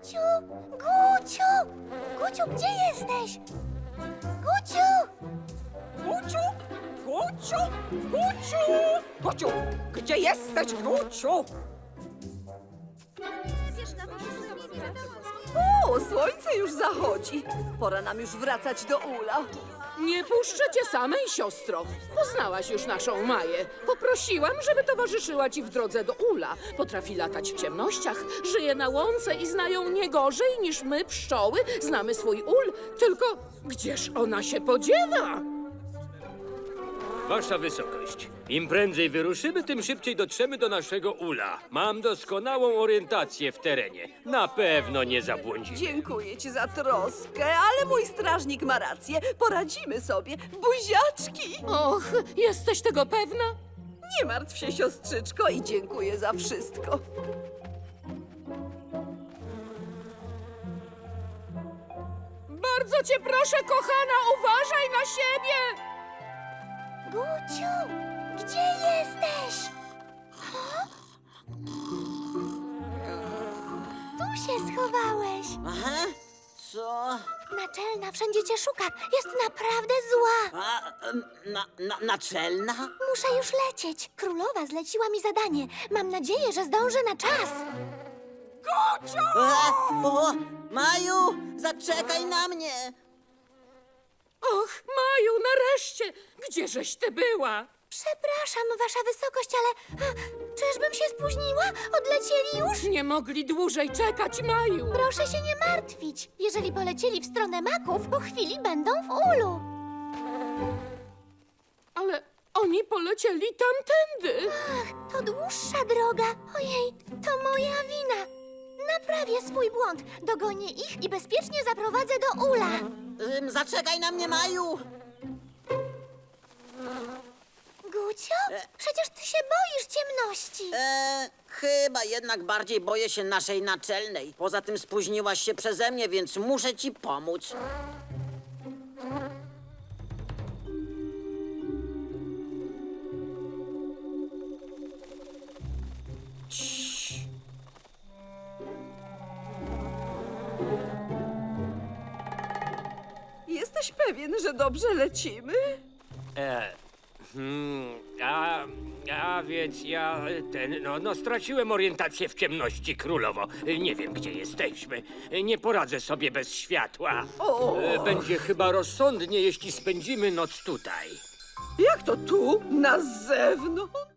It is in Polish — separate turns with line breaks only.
Guciu! Guciu! Guciu, gdzie jesteś? Guciu!
Guciu! Guciu! Guciu! Guciu! Gdzie jesteś, Guciu?
O, słońce już zachodzi. Pora nam już wracać do ula.
Nie puszczę cię samej, siostro. Poznałaś już naszą Maję. Poprosiłam, żeby towarzyszyła ci w drodze do ula. Potrafi latać w ciemnościach, żyje na łące i znają nie gorzej niż my, pszczoły, znamy swój ul. Tylko gdzież ona się podziewa?
Wasza wysokość, im prędzej wyruszymy, tym szybciej dotrzemy do naszego ula. Mam doskonałą orientację w terenie. Na pewno nie zabłądzimy.
Dziękuję ci za troskę, ale mój strażnik ma rację. Poradzimy sobie. Buziaczki!
Och, jesteś tego pewna?
Nie martw się, siostrzyczko, i dziękuję za wszystko.
Bardzo cię proszę, kochana, uważaj na siebie!
Guciu! Gdzie jesteś? Tu się schowałeś.
Aha, co?
Naczelna wszędzie cię szuka. Jest naprawdę zła.
Naczelna?
Muszę już lecieć. Królowa zleciła mi zadanie. Mam nadzieję, że zdążę na czas.
O, Maju, zaczekaj na mnie!
Och, Maju, nareszcie! Gdzieżeś ty była?
Przepraszam, wasza wysokość, ale czyżbym się spóźniła? Odlecieli już?
Nie mogli dłużej czekać, Maju.
Proszę się nie martwić. Jeżeli polecieli w stronę maków, po chwili będą w ulu.
Ale oni polecieli tamtędy.
Ach, to dłuższa droga. Ojej, to moja wina. Naprawię swój błąd. Dogonię ich i bezpiecznie zaprowadzę do ula.
Zaczekaj na mnie, Maju!
Gucio? Przecież ty się boisz ciemności.
Chyba jednak bardziej boję się naszej naczelnej. Poza tym spóźniłaś się przeze mnie, więc muszę ci pomóc.
Jesteś pewien, że dobrze lecimy?
A więc ja straciłem orientację w ciemności, królowo. Nie wiem, gdzie jesteśmy. Nie poradzę sobie bez światła. Będzie chyba rozsądnie, jeśli spędzimy noc tutaj.
Jak to tu? Na zewnątrz?